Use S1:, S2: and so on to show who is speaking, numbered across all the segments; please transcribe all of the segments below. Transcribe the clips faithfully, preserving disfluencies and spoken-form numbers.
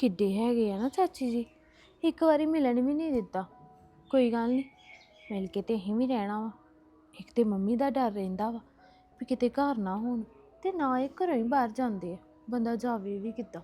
S1: ਕਿੱਡੇ ਹੈਗੇ ਆ ਨਾ ਚਾਚੀ ਜੀ, ਇੱਕ ਵਾਰੀ ਮਿਲਣ ਵੀ ਨਹੀਂ ਦਿੱਤਾ। ਕੋਈ ਗੱਲ ਨਹੀਂ, ਮਿਲ ਕੇ ਤੇ ਅਸੀਂ ਵੀ ਰਹਿਣਾ ਵਾ। ਇੱਕ ਤੇ ਮੰਮੀ ਦਾ ਡਰ ਰਹਿੰਦਾ ਵਾ ਵੀ ਕਿਤੇ ਘਰ ਨਾ ਹੋਣ, ਤੇ ਨਾ ਇਹ ਘਰੋਂ ਹੀ ਬਾਹਰ ਜਾਂਦੇ ਆ, ਬੰਦਾ ਜਾਵੇ ਵੀ ਕਿੱਦਾਂ।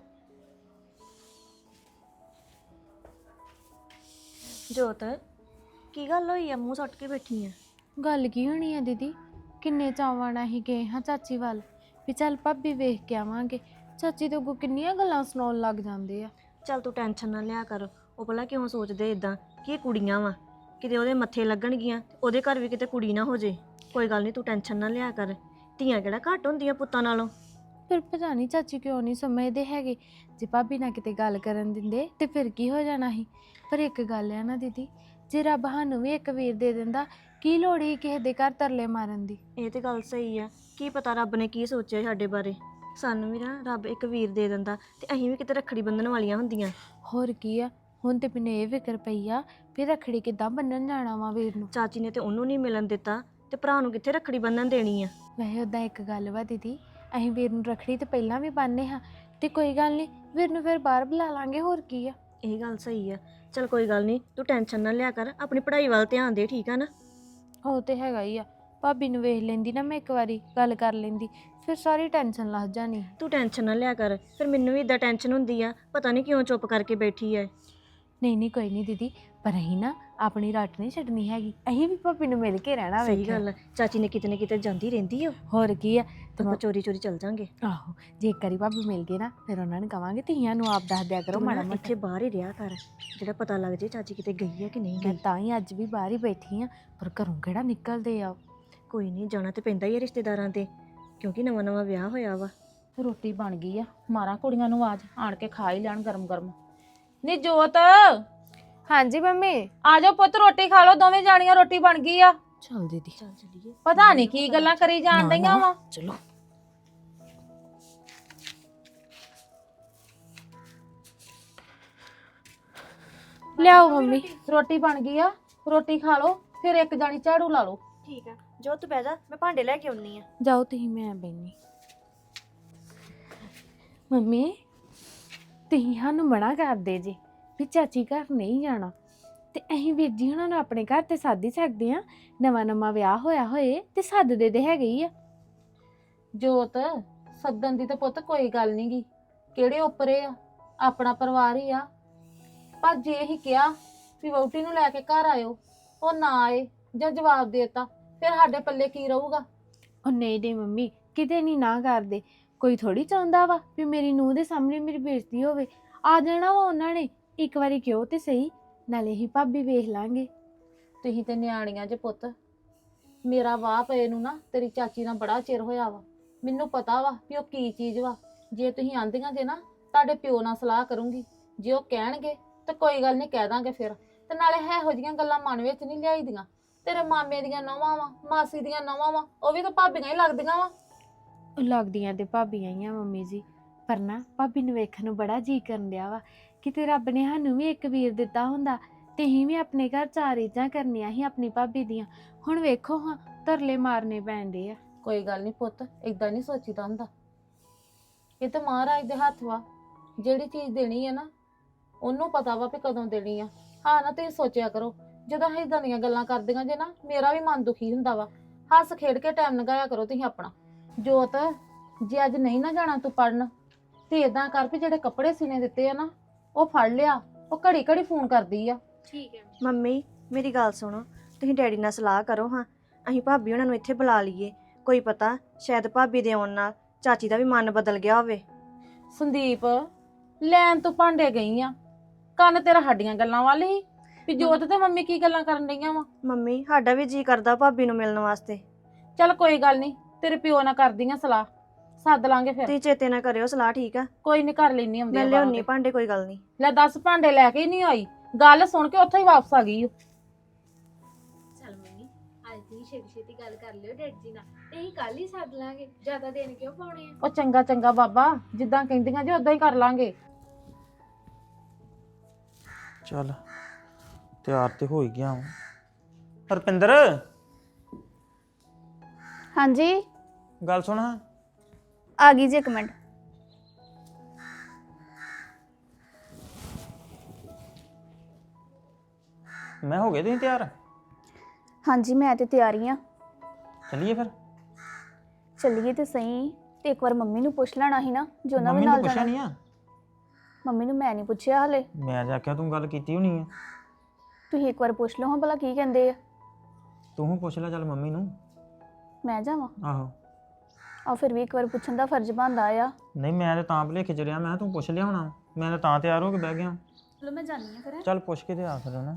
S2: ਜੋਤ, ਕੀ ਗੱਲ ਹੋਈ ਆ? ਮੂੰਹ ਸੁੱਟ ਕੇ ਬੈਠੀ ਆ।
S1: ਗੱਲ ਕੀ ਹੋਣੀ ਆ ਦੀਦੀ, ਕਿੰਨੇ ਚਾਵਾਂ ਨਾਲ ਅਸੀਂ ਗਏ ਹਾਂ ਚਾਚੀ ਵੱਲ ਵੀ ਚੱਲ ਭਾਬੀ ਵੇਖ ਕੇ ਆਵਾਂਗੇ। ਚਾਚੀ ਤੋਂ ਅੱਗੋਂ ਕਿੰਨੀਆਂ ਗੱਲਾਂ ਸੁਣਾਉਣ ਲੱਗ ਜਾਂਦੇ ਆ।
S2: ਚੱਲ ਤੂੰ ਟੈਨਸ਼ਨ ਨਾ ਲਿਆ ਕਰ। ਉਹ ਭਲਾ ਕਿਉਂ ਸੋਚਦੇ ਇਦਾਂ ਕਿ ਇਹ ਕੁੜੀਆਂ ਵਾ, ਕਿਤੇ ਉਹਦੇ ਮੱਥੇ ਲੱਗਣਗੀਆਂ, ਉਹਦੇ ਘਰ ਵੀ ਕਿਤੇ ਕੁੜੀ ਨਾ ਹੋ ਜੇ। ਕੋਈ ਗੱਲ ਨਹੀਂ, ਤੂੰ ਟੈਨਸ਼ਨ ਨਾ ਲਿਆ ਕਰ। ਧੀਆਂ ਕਿਹੜਾ ਘੱਟ ਹੁੰਦੀਆਂ ਪੁੱਤਾਂ ਨਾਲੋਂ।
S1: ਫਿਰ ਪਤਾ ਨਹੀਂ ਚਾਚੀ ਕਿਉਂ ਨਹੀਂ ਸਮਝਦੇ ਹੈਗੇ। ਜੇ ਭਾਬੀ ਨਾਲ ਕਿਤੇ ਗੱਲ ਕਰਨ ਦਿੰਦੇ ਤੇ ਫਿਰ ਕੀ ਹੋ ਜਾਣਾ ਸੀ। ਪਰ ਇੱਕ ਗੱਲ ਆ ਨਾ ਦੀਦੀ, ਜੇ ਰੱਬ ਸਾਨੂੰ ਵੀ ਇੱਕ ਵੀਰ ਦੇ ਦਿੰਦਾ, ਕੀ ਲੋੜ ਸੀ ਕਿਸੇ ਦੇ ਘਰ ਤਰਲੇ ਮਾਰਨ ਦੀ।
S2: ਇਹ ਤੇ ਗੱਲ ਸਹੀ ਆ। ਕੀ ਪਤਾ ਰੱਬ ਨੇ ਕੀ ਸੋਚਿਆ ਸਾਡੇ ਬਾਰੇ। ਸਾਨੂੰ ਵੀ ਨਾ ਰੱਬ ਇੱਕ ਵੀਰ ਦੇ ਦਿੰਦਾ ਤੇ ਅਸੀਂ ਵੀ ਕਿਤੇ ਰੱਖੜੀ ਬੰਨਣ ਵਾਲੀਆਂ ਹੁੰਦੀਆਂ।
S1: ਹੋਰ ਕੀ ਆ, ਹੁਣ ਤੇ ਮੈਨੂੰ ਇਹ ਫਿਕਰ ਪਈ ਆ ਵੀ ਰੱਖੜੀ ਕਿੱਦਾਂ ਬੰਨਣ ਜਾਣਾ ਵਾ ਵੀਰ ਨੂੰ।
S2: ਚਾਚੀ ਨੇ ਤੇ ਉਹਨੂੰ ਨਹੀਂ ਮਿਲਣ ਦਿੱਤਾ ਤੇ ਭਰਾ ਨੂੰ ਕਿੱਥੇ ਰੱਖੜੀ ਬੰਨਣ ਦੇਣੀ ਆ।
S1: ਵੈਸੇ ਉੱਦਾਂ ਇੱਕ ਗੱਲ ਵਾ ਦੀਦੀ, ਅਸੀਂ ਵੀਰ ਨੂੰ ਰੱਖੜੀ ਤੇ ਪਹਿਲਾਂ ਵੀ ਬੰਨ੍ਹੇ ਹਾਂ, ਤੇ ਕੋਈ ਗੱਲ ਨਹੀਂ, ਵੀਰ ਨੂੰ ਫਿਰ ਬਾਹਰ ਬੁਲਾ ਲਾਂਗੇ। ਹੋਰ ਕੀ ਆ।
S2: ਇਹ ਗੱਲ ਸਹੀ ਆ। ਚਲ ਕੋਈ ਗੱਲ ਨਹੀਂ, ਤੂੰ ਟੈਨਸ਼ਨ ਨਾ ਲਿਆ ਕਰ। ਆਪਣੀ ਪੜ੍ਹਾਈ ਵੱਲ ਧਿਆਨ ਦੇ, ਠੀਕ ਆ ਨਾ।
S1: ਉਹ ਤੇ ਹੈਗਾ ਹੀ ਆ। ਭਾਬੀ ਨੂੰ ਵੇਖ ਲੈਂਦੀ ਨਾ ਮੈਂ ਇੱਕ ਵਾਰੀ, ਗੱਲ ਕਰ ਲੈਂਦੀ, ਫਿਰ ਸਾਰੀ ਟੈਨਸ਼ਨ ਲੱਥ ਜਾਣੀ।
S2: ਤੂੰ ਟੈਨਸ਼ਨ ਨਾ ਲਿਆ ਕਰ। ਫਿਰ ਮੈਨੂੰ ਵੀ ਇਦਾਂ ਟੈਨਸ਼ਨ ਹੁੰਦੀ ਆ, ਪਤਾ ਨਹੀਂ ਕਿਉਂ ਚੁੱਪ ਕਰਕੇ ਬੈਠੀ ਐ।
S1: ਨਹੀਂ ਨਹੀਂ ਕੋਈ ਨਹੀਂ ਦੀਦੀ, ਪਰ ਅਸੀਂ ਨਾ ਆਪਣੀ ਰੱਟ ਨਹੀਂ ਛੱਡਣੀ ਹੈਗੀ। ਅਸੀਂ ਵੀ ਭਾਬੀ ਨੂੰ ਮਿਲ ਕੇ ਰਹਿਣਾ।
S2: ਸਹੀ ਗੱਲ ਆ। ਚਾਚੀ ਨੇ ਕਿਤੇ ਨਾ ਕਿਤੇ ਜਾਂਦੀ ਰਹਿੰਦੀ ਆ।
S1: ਹੋਰ ਕੀ ਆ।
S2: ਤੇ ਆਪਾਂ ਚੋਰੀ ਚੋਰੀ ਚੱਲ ਜਾਂਗੇ।
S1: ਆਹੋ, ਜੇ ਇੱਕ ਵਾਰੀ ਭਾਬੀ ਮਿਲ ਗਏ ਨਾ, ਫਿਰ ਉਹਨਾਂ ਨੂੰ ਕਵਾਂਗੇ ਧੀਆਂ ਨੂੰ ਆਪ ਦੱਸ ਦਿਆ ਕਰੋ ਮਾੜਾ ਮੋਟਾ।
S2: ਇੱਥੇ ਬਾਹਰ ਹੀ ਰਿਹਾ ਕਰ, ਜਿਹੜਾ ਪਤਾ ਲੱਗ ਜੇ ਚਾਚੀ ਕਿਤੇ ਗਈ ਆ ਕਿ ਨਹੀਂ
S1: ਮੈਂ
S2: ਗਈ।
S1: ਤਾਂ ਹੀ ਅੱਜ ਵੀ ਬਾਹਰ ਹੀ ਬੈਠੀ ਆ, ਪਰ ਘਰੋਂ ਕਿਹੜਾ ਨਿਕਲਦੇ ਆ।
S2: ਕੋਈ ਨਹੀਂ, ਜਾਣਾ ਤੇ ਪੈਂਦਾ ਹੀ ਆ ਰਿਸ਼ਤੇਦਾਰਾਂ ਤੇ, ਕਿਉਂਕਿ ਨਵਾਂ ਨਵਾਂ ਵਿਆਹ ਹੋਇਆ ਵਾ।
S3: ਰੋਟੀ ਬਣ ਗਈ ਆ, ਮਾਰਾਂ ਕੁੜੀਆਂ ਨੂੰ ਆਵਾਜ਼, ਆਣ ਕੇ ਖਾ ਹੀ ਲੈਣ ਗਰਮ ਗਰਮ। ਨੀ ਜੋਤ,
S1: ਹਾਂਜੀ ਮੰਮੀ।
S3: ਆ ਜਾਓ ਪੁੱਤ, ਰੋਟੀ ਖਾ ਲਓ ਦੋਵੇਂ ਜਾਣੀਆਂ, ਰੋਟੀ ਬਣ ਗਈ ਆ।
S1: ਚੱਲ ਦੀਦੀ,
S2: ਚੱਲ ਚੱਲੀਏ।
S3: ਪਤਾ ਨਹੀਂ ਕੀ ਗੱਲਾਂ ਕਰੀ ਜਾਣ ਡਈਆਂ ਵਾ।
S1: ਚਲੋ। ਲਿਆਓ ਮੰਮੀ।
S3: ਰੋਟੀ ਬਣ ਗਈ ਆ, ਰੋਟੀ ਖਾ ਲਓ, ਫਿਰ ਇੱਕ ਜਾਣੀ ਝਾੜੂ ਲਾ ਲਓ।
S2: ਠੀਕ ਆ, ਜੋ ਤੂੰ ਬਹਿ ਜਾ, ਮੈਂ ਭਾਂਡੇ ਲੈ ਕੇ ਆਉਣੀ ਆ।
S1: ਜਾਓ ਤੁਸੀਂ, ਮੈਂ ਬੈਣੀ। ਮੰਮੀ, ਤੁਸੀਂ ਸਾਨੂੰ ਮਨਾ ਕਰਦੇ ਜੇ ਵੀ ਚਾਚੀ ਘਰ ਨਹੀਂ ਜਾਣਾ, ਤੇ ਅਸੀਂ ਵੀਰ ਜੀ ਉਹਨਾਂ ਨੂੰ ਆਪਣੇ ਘਰ ਤੇ ਸੱਦ ਹੀ ਸਕਦੇ ਆ। ਨਵਾਂ ਨਵਾਂ ਵਿਆਹ ਹੋਇਆ ਹੋਏ ਤੇ ਸੱਦਦੇ ਦੇ ਹੈਗੇ ਹੀ ਆ।
S3: ਜੋਤ, ਸੱਦਣ ਦੀ ਤਾਂ ਪੁੱਤ ਕੋਈ ਗੱਲ ਨੀ ਗੀ, ਕਿਹੜੇ ਉੱਪਰੇ ਆ, ਆਪਣਾ ਪਰਿਵਾਰ ਹੀ ਆ। ਪਰ ਜੇ ਅਸੀਂ ਕਿਹਾ ਵੀ ਵਹੁਟੀ ਨੂੰ ਲੈ ਕੇ ਘਰ ਆਇਓ, ਉਹ ਨਾ ਆਏ ਜਾਂ ਜਵਾਬ ਦੇਤਾ, ਫਿਰ ਸਾਡੇ ਪੱਲੇ ਕੀ ਰਹੂਗਾ।
S1: ਉਹ ਨਹੀਂ ਨਹੀਂ ਮੰਮੀ, ਕਿਤੇ ਨਹੀਂ ਨਾ ਕਰਦੇ। ਕੋਈ ਥੋੜੀ ਚਾਹੁੰਦਾ ਵਾ ਵੀ ਮੇਰੀ ਨੂੰਹ ਦੇ ਸਾਹਮਣੇ ਮੇਰੀ ਬੇਇੱਜ਼ਤੀ ਹੋਵੇ। ਆ ਜਾਣਾ ਵਾ ਉਹਨਾਂ ਨੇ, ਇੱਕ ਵਾਰੀ ਕਿਉਂ ਤੇ ਸਹੀ, ਨਾਲੇ ਹੀ ਭਾਬੀ ਵੇਖ ਲਾਂਗੇ।
S3: ਤੁਸੀਂ ਤੇ ਨਿਆਣੀਆਂ ਜੇ ਪੁੱਤ। ਮੇਰਾ ਵਾਹ ਪਏ ਨੂੰ ਨਾ ਤੇਰੀ ਚਾਚੀ ਨਾਲ ਬੜਾ ਚਿਰ ਹੋਇਆ ਵਾ। ਮੈਨੂੰ ਪਤਾ ਵਾ ਵੀ ਉਹ ਕੀ ਚੀਜ਼ ਵਾ। ਜੇ ਤੁਸੀਂ ਆਂਦੀਆਂ ਜੇ ਨਾ, ਤੁਹਾਡੇ ਪਿਓ ਨਾਲ ਸਲਾਹ ਕਰੂੰਗੀ, ਜੇ ਉਹ ਕਹਿਣਗੇ ਤਾਂ ਕੋਈ ਗੱਲ ਨਹੀਂ, ਕਹਿ ਦਾਂਗੇ ਫਿਰ। ਤੇ ਨਾਲੇ ਇਹੋ ਜਿਹੀਆਂ ਗੱਲਾਂ ਮਨ ਵਿੱਚ ਨਹੀਂ ਲਿਆਈਦੀਆਂ। ਤੇਰੇ ਮਾਮੇ ਦੀਆਂ ਨੌਵਾਂ ਵਾ, ਮਾਸੀ ਦੀਆਂ ਨੌਵਾਂ ਵਾ, ਉਹ ਵੀ ਤਾਂ ਭਾਬੀਆਂ ਹੀ ਲੱਗਦੀਆਂ ਵਾ।
S1: ਉਹ ਲੱਗਦੀਆਂ ਤੇ ਭਾਬੀਆਂ ਹੀ ਆ ਮੰਮੀ ਜੀ, ਪਰ ਨਾ ਭਾਬੀ ਨੂੰ ਵੇਖਣ ਨੂੰ ਬੜਾ ਜੀਅ ਕਰਨ ਡਿਆ ਵਾ। ਕਿਤੇ ਰੱਬ ਨੇ ਸਾਨੂੰ ਵੀ ਇੱਕ ਵੀਰ ਦਿੱਤਾ ਹੁੰਦਾ ਤੇ ਅਸੀਂ ਵੀ ਆਪਣੇ ਘਰ ਚਾਰ ਰੀਝਾਂ ਕਰਨੀਆਂ ਸੀ ਆਪਣੀ ਭਾਬੀ ਦੀਆਂ। ਹੁਣ ਵੇਖੋ ਹਾਂ, ਤਰਲੇ ਮਾਰਨੇ ਪੈਂਦੇ ਆ।
S3: ਕੋਈ ਗੱਲ ਨਹੀਂ ਪੁੱਤ, ਏਦਾਂ ਨਹੀਂ ਸੋਚੀਦਾ ਹੁੰਦਾ। ਇਹ ਤਾਂ ਮਹਾਰਾਜ ਦੇ ਹੱਥ ਵਾ। ਜਿਹੜੀ ਚੀਜ਼ ਦੇਣੀ ਹੈ ਨਾ, ਉਹਨੂੰ ਪਤਾ ਵਾ ਵੀ ਕਦੋਂ ਦੇਣੀ ਆ। ਹਾਂ ਨਾ, ਤੁਸੀਂ ਸੋਚਿਆ ਕਰੋ, ਜਦੋਂ ਅਸੀਂ ਇਦਾਂ ਦੀਆਂ ਗੱਲਾਂ ਕਰਦੀਆਂ ਜੇ ਨਾ, ਮੇਰਾ ਵੀ ਮਨ ਦੁਖੀ ਹੁੰਦਾ ਵਾ। ਹੱਸ ਖੇਡ ਕੇ ਟਾਈਮ ਲੰਘਾਇਆ ਕਰੋ ਤੁਸੀਂ ਆਪਣਾ। ਜੋਤ, ਜੇ ਅੱਜ ਨਹੀਂ ਨਾ ਜਾਣਾ ਤੂੰ ਪੜਨ, ਤੇ ਏਦਾਂ ਕਰ ਵੀ ਜਿਹੜੇ ਕੱਪੜੇ ਸੀਨੇ ਦਿੱਤੇ ਆ ਨਾ, ਉਹ ਫੜ ਲਿਆ। ਉਹ ਘੜੀ ਘੜੀ ਫੋਨ ਕਰਦੀ ਆ।
S1: ਠੀਕ ਹੈ
S2: ਮੰਮੀ, ਮੇਰੀ ਗੱਲ ਸੁਣੋ, ਤੁਸੀਂ ਡੈਡੀ ਨਾਲ ਸਲਾਹ ਕਰੋ ਹਾਂ। ਅਸੀਂ ਭਾਬੀ ਉਹਨਾਂ ਨੂੰ ਇੱਥੇ ਬੁਲਾ ਲਈਏ। ਕੋਈ ਪਤਾ ਸ਼ਾਇਦ ਭਾਬੀ ਦੇ ਆਉਣ ਨਾਲ ਚਾਚੀ ਦਾ ਵੀ ਮਨ ਬਦਲ ਗਿਆ ਹੋਵੇ।
S3: ਸੰਦੀਪ, ਲੈਣ ਤੋਂ ਭਾਂਡੇ ਗਈ ਆ, ਕੰਨ ਤੇਰਾ ਸਾਡੀਆਂ ਗੱਲਾਂ ਵੱਲ ਹੀ ਵੀ ਜੋਤ ਤੇ ਮੰਮੀ ਕੀ ਗੱਲਾਂ ਕਰਨ ਡਈਆਂ ਵਾ।
S2: ਮੰਮੀ, ਸਾਡਾ ਵੀ ਜੀ ਕਰਦਾ ਭਾਬੀ ਨੂੰ ਮਿਲਣ ਵਾਸਤੇ।
S3: ਚੱਲ ਕੋਈ ਗੱਲ ਨਹੀਂ, ਤੇਰੇ ਪਿਓ ਨਾਲ ਕਰਦੀਆਂ ਸਲਾਹ, ਸੱਦ ਲਾਂਗੇ ਫਿਰ।
S2: ਤੁਸੀਂ ਚੇਤੇ ਨਾ ਕਰਿਓ ਸਲਾਹ, ਠੀਕ ਆ?
S3: ਕੋਈ ਨਹੀਂ, ਕਰ ਲੈਣੀ ਹੁੰਦੀ
S2: ਮੈਂ
S3: ਆ
S2: ਲਿਆਉਣੀ ਭਾਂਡੇ, ਕੋਈ ਗੱਲ ਨਹੀਂ।
S3: ਲੈ ਦਸ ਭਾਂਡੇ ਲੈ ਕੇ ਹੀ ਨਹੀਂ ਆਈ, ਗੱਲ ਸੁਣ ਕੇ ਉੱਥੇ ਹੀ ਵਾਪਸ ਆ ਗਈ।
S1: ਚੱਲ ਮੰਮੀ, ਅੱਜ ਦੀ ਛੇਤੀ ਛੇਤੀ ਗੱਲ ਕਰ ਲਿਓ ਡੈਡੀ ਜੀ ਨਾਲ, ਤੇ ਅਸੀਂ ਕੱਲ ਹੀ ਸੱਦ ਲਾਂਗੇ। ਜ਼ਿਆਦਾ ਦਿਨ ਕਿਉਂ ਪਾਉਣੇ ਆ।
S3: ਉਹ ਚੰਗਾ ਚੰਗਾ ਬਾਬਾ, ਜਿੱਦਾਂ ਕਹਿੰਦੀਆਂ ਜੀ ਉਦਾਂ ਹੀ ਕਰ ਲਾਂਗੇ।
S4: ਚੱਲ ਤਿਆਰ ਤੇ ਹੋ ਹੀ ਗਿਆ ਹਾਂ। ਹਰਪਿੰਦਰ,
S5: ਹਾਂਜੀ
S4: ਗੱਲ ਸੁਣ ਹਾਂ।
S5: ਆ ਗਈ ਜੀ, ਇੱਕ ਮਿੰਟ।
S4: ਮੈਂ ਹੋ ਗਏ ਤੁਸੀਂ ਤਿਆਰ?
S5: ਹਾਂਜੀ ਮੈਂ ਤੇ ਤਿਆਰੀ ਆ।
S4: ਚੱਲੀਏ ਫਿਰ।
S5: ਚੱਲੀਏ ਤੇ ਸਹੀ, ਤੇ ਇੱਕ ਵਾਰ ਮੰਮੀ ਨੂੰ ਪੁੱਛ ਲੈਣਾ ਸੀ ਨਾ ਜੋ ਉਹਨਾਂ ਵੀ
S4: ਮੰਮੀ ਨੂੰ
S5: ਨਾਲ
S4: ਪੁੱਛਿਆ
S5: ਜਾਣਾ।
S4: ਨਹੀਂ ਆ?
S5: ਮੰਮੀ ਨੂੰ ਮੈਂ ਨਹੀਂ ਪੁੱਛਿਆ ਹਲੇ।
S4: ਮੈਂ ਤਾਂ ਆਖਿਆ ਤੂੰ ਗੱਲ ਕੀਤੀ ਹੋਣੀ ਆ।
S5: ਤੁਸੀਂ ਇੱਕ ਵਾਰ ਪੁੱਛ ਲਓ ਹਾਂ ਭਲਾ ਕੀ ਕਹਿੰਦੇ ਆ।
S4: ਤੂੰ ਪੁੱਛ ਲੈ ਚੱਲ ਮੰਮੀ ਨੂੰ।
S5: ਮੈਂ ਜਾਵਾਂ?
S4: ਆਹੋ।
S5: ਆ ਫਿਰ ਵੀ ਇੱਕ ਵਾਰ ਪੁੱਛਣ ਦਾ ਫਰਜ਼ ਬਣਦਾ ਆ।
S4: ਨਹੀਂ ਮੈਂ ਤਾਂ ਤਾਂ ਭੁਲੇਖੇ ਚ ਰਿਹਾ, ਮੈਂ ਕਿਹਾ ਤੂੰ ਪੁੱਛ ਲਿਆ ਹੋਣਾ। ਮੈਂ ਤਾਂ ਤਾਂ ਤਿਆਰ ਹੋ ਕੇ ਬਹਿ ਗਿਆ।
S5: ਚਲੋ ਮੈਂ ਜਾਣੀ ਆ ਫਿਰ।
S4: ਚੱਲ ਪੁੱਛ ਕੇ ਤੇ ਆ ਫਿਰ ਨਾ।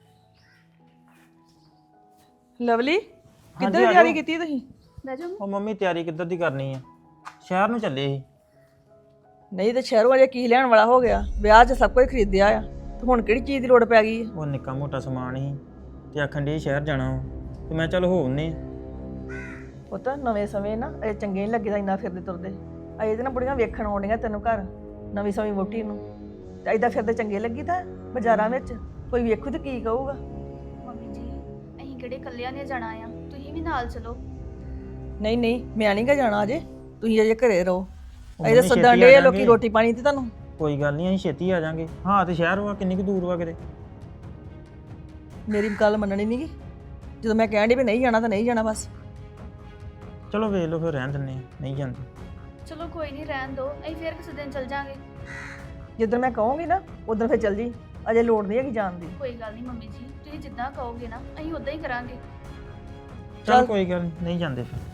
S6: ਲਵਲੀ
S4: ਹਾਂਜੀ,
S6: ਕਿੱਧਰ
S4: ਆ
S6: ਤਿਆਰੀ
S4: ਜਾਓ।
S6: ਕੀਤੀ ਤੁਸੀਂ?
S5: ਬਹਿ ਜਾਓ।
S4: ਉਹ ਮੰਮੀ ਤਿਆਰੀ ਕਿੱਧਰ ਦੀ ਕਰਨੀ ਆ? ਸ਼ਹਿਰ ਨੂੰ ਚੱਲੇ ਸੀ।
S6: ਨਹੀਂ ਤੇ ਸ਼ਹਿਰੋਂ ਅਜੇ ਕੀ ਲੈਣ ਵਾਲਾ ਹੋ ਗਿਆ, ਵਿਆਹ 'ਚ ਸਭ ਕੁਝ ਖਰੀਦਿਆ ਆ ਤੇ ਹੁਣ ਕਿਹੜੀ ਚੀਜ਼ ਦੀ ਲੋੜ ਪੈ ਗਈ ਹੈ?
S4: ਉਹ ਨਿੱਕਾ ਮੋਟਾ ਸਮਾਨ ਸੀ ਤੇ ਆਖਣ ਦੇ ਸ਼ਹਿਰ ਜਾਣਾ ਵਾ। ਤੇ ਮੈਂ ਚੱਲ ਹੋ ਆਉਂਦੇ ਆ।
S6: ਪੁੱਤ ਨਵੇਂ ਸਮੇਂ ਨਾ ਇਹ ਚੰਗੇ ਨਹੀਂ ਲੱਗਦਾ ਇੰਨਾ ਫਿਰਦੇ ਤੁਰਦੇ। ਅਜੇ ਤੇ ਨਾ ਬੁੜੀਆਂ ਵੇਖਣ ਆਉਂਦੀਆਂ ਤੈਨੂੰ ਘਰ ਨਵੀਂ ਸਮੇਂ ਵੋਟੀ ਨੂੰ, ਤੇ ਏਦਾਂ ਫਿਰਦੇ ਚੰਗੇ ਲੱਗੀ ਤਾਂ ਬਾਜ਼ਾਰਾਂ ਵਿੱਚ ਕੋਈ ਵੇਖੂ ਤੇ ਕੀ ਕਹੂਗਾ?
S5: ਮੰਮੀ ਜੀ ਅਸੀਂ ਕਿਹੜੇ ਇਕੱਲਿਆਂ ਨੇ ਜਾਣਾ ਆ, ਤੁਸੀਂ ਵੀ ਨਾਲ ਚਲੋ।
S6: ਨਹੀਂ ਨਹੀਂ ਮੈਂ ਨਹੀਂ ਗਾ ਜਾਣਾ ਅਜੇ, ਤੁਸੀਂ ਅਜੇ ਘਰੇ ਰਹੋ।
S4: ਉਹ
S6: ਅਜੇ
S4: ਮੰਮੀ
S6: ਸੱਦਣ
S4: ਛੇਤੀ ਆ
S6: ਡੇ ਲੋਕੀ
S4: ਜਾਵਾਂਗੇ।
S6: ਰੋਟੀ ਪਾਣੀ ਤੇ ਤੁਹਾਨੂੰ।
S4: ਕੋਈ ਗੱਲ ਨਹੀਂ, ਅਸੀਂ ਛੇਤੀ ਆ ਜਾਾਂਗੇ। ਹਾਂ ਤੇ ਸ਼ਹਿਰ ਵਾ ਕਿੰਨੀ ਕੁ ਦੂਰ ਵਾ ਕਿਤੇ?
S6: ਮੇਰੀ ਗੱਲ ਮੰਨਣੀ ਨਹੀਂ ਗੀ, ਜਦੋਂ ਮੈਂ ਕਹਿਣ ਡਈ ਵੀ ਨਹੀਂ ਜਾਣਾ ਤਾਂ ਨਹੀਂ ਜਾਣਾ ਬਸ।
S4: ਚਲੋ ਵੇਖ ਲਓ ਫਿਰ, ਰਹਿਣ ਦਿੰਦੇ ਆ, ਨਹੀਂ ਜਾਂਦੇ।
S5: ਚਲੋ ਕੋਈ ਨਹੀਂ ਰਹਿਣ ਦਿਓ, ਅਸੀਂ ਫਿਰ ਕਿਸੇ ਦਿਨ ਚੱਲ ਜਾਾਂਗੇ।
S6: ਜਿੱਦਣ ਮੈਂ ਕਹੂੰਗੀ ਨਾ ਉਦੋਂ ਫਿਰ ਚੱਲ ਜੀ, ਅਜੇ ਲੋੜ ਨਹੀਂ ਹੈਗੀ ਜਾਣ ਦੀ।
S5: ਕੋਈ ਗੱਲ ਨਹੀਂ ਮੰਮੀ ਜੀ, ਤੁਸੀਂ ਜਿੱਦਾਂ ਕਹੋਗੇ ਨਾ ਅਸੀਂ ਉਦਾਂ ਹੀ ਕਰਾਂਗੇ।
S4: ਚੱਲ
S6: ਚੱਲ।
S4: ਕੋਈ ਗੱਲ ਨੀ, ਨਹੀਂ ਜਾਂਦੇ ਫਿਰ।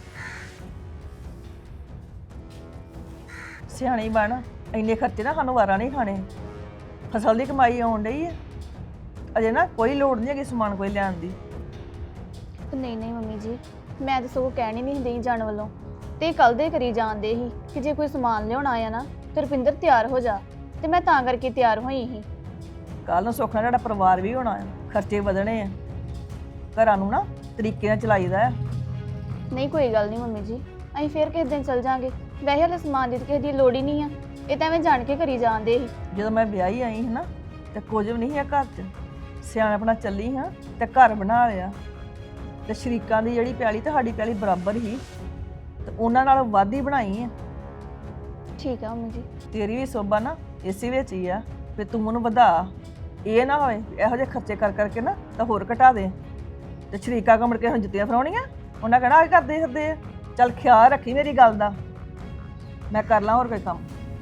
S6: ਸਿਆਣੀ ਬਣ, ਇੰਨੇ ਖਰਚੇ ਨਾ ਸਾਨੂੰ ਵਾਰਾ ਨਹੀਂ ਖਾਣੇ। ਫਸਲ ਦੀ ਕਮਾਈ ਆਉਣ ਡਈ ਹੈ, ਅਜੇ ਨਾ ਕੋਈ ਲੋੜ ਨਹੀਂ ਹੈਗੀ ਸਮਾਨ ਕੋਈ ਲੈਣ ਦੀ।
S5: ਨਹੀਂ ਨਹੀਂ ਮੰਮੀ ਜੀ, ਮੈਂ ਤਾਂ ਸਗੋਂ ਕਹਿਣੀ ਨਹੀਂ ਦੇਈ ਜਾਣ ਵੱਲੋਂ, ਤੇ ਕੱਲ ਦੇ ਕਰੀ ਜਾਂਦੇ ਸੀ ਕਿ ਜੇ ਕੋਈ ਸਮਾਨ ਲਿਆਉਣਾ ਆ ਨਾ ਤੇ ਰੁਪਿੰਦਰ ਤਿਆਰ ਹੋ ਜਾ, ਤੇ ਮੈਂ ਤਾਂ ਕਰਕੇ ਤਿਆਰ ਹੋਈ ਸੀ।
S6: ਕੱਲ ਨੂੰ ਸੁੱਖ ਨਾਲ ਤੁਹਾਡਾ ਪਰਿਵਾਰ ਵੀ ਹੋਣਾ ਹੈ, ਖਰਚੇ ਵਧਣੇ ਆ। ਘਰਾਂ ਨੂੰ ਨਾ ਤਰੀਕੇ ਨਾਲ ਚਲਾਈਦਾ ਆ।
S5: ਨਹੀਂ ਕੋਈ ਗੱਲ ਨਹੀਂ ਮੰਮੀ ਜੀ, ਅਸੀਂ ਫਿਰ ਕਿਸੇ ਦਿਨ ਚੱਲ ਜਾਾਂਗੇ। ਵੈਸੇ ਹਲੇ ਸਮਾਨ ਦੀ ਤਾਂ ਕਿਸੇ ਦੀ ਲੋੜ ਹੀ ਨਹੀਂ ਆ, ਇਹ ਤਾਂ ਐਵੇਂ ਜਾਣ ਕੇ ਕਰੀ ਜਾਂਦੇ ਸੀ।
S6: ਜਦੋਂ ਮੈਂ ਵਿਆਹੀ ਆਈ ਸੀ ਨਾ ਤੇ ਕੁਝ ਵੀ ਨਹੀਂ ਹੈ ਘਰ 'ਚ, ਸਿਆਣਪਣਾ ਚੱਲੀ ਹਾਂ ਤੇ ਘਰ ਬਣਾ ਲਿਆ। ਤੇ ਸ਼ਰੀਕਾਂ ਦੀ ਜਿਹੜੀ ਪਿਆਲੀ ਤੇ ਸਾਡੀ ਪਿਆਲੀ ਬਰਾਬਰ ਹੀ, ਤੇ ਉਹਨਾਂ ਨਾਲ ਵੱਧ ਹੀ ਬਣਾਈ ਹੈ।
S5: ਠੀਕ ਆ ਮੰਮੀ ਜੀ।
S6: ਤੇਰੀ ਵੀ ਸੋਭਾ ਨਾ ਇਸੇ ਵਿੱਚ ਹੀ ਆ ਵੀ ਤੂੰ ਮੈਨੂੰ ਵਧਾ, ਇਹ ਨਾ ਹੋਵੇ ਇਹੋ ਜਿਹੇ ਖਰਚੇ ਕਰ ਕਰਕੇ ਨਾ ਤਾਂ ਹੋਰ ਘਟਾ ਦੇ। ਤੇ ਸ਼ਰੀਕਾ ਕੋ ਮੁੜ ਕੇ ਹੁਣ ਜੁੱਤੀਆਂ ਫਰਾਉਣੀਆਂ, ਉਹਨਾਂ ਕਹਿਣਾ ਆ ਕਰਦੇ ਫਿਰਦੇ ਆ। ਚੱਲ ਖਿਆਲ ਰੱਖੀ ਮੇਰੀ ਗੱਲ ਦਾ, ਮੈਂ ਕਰ ਲਾਂ ਹੋਰ ਕੋਈ ਕੰਮ।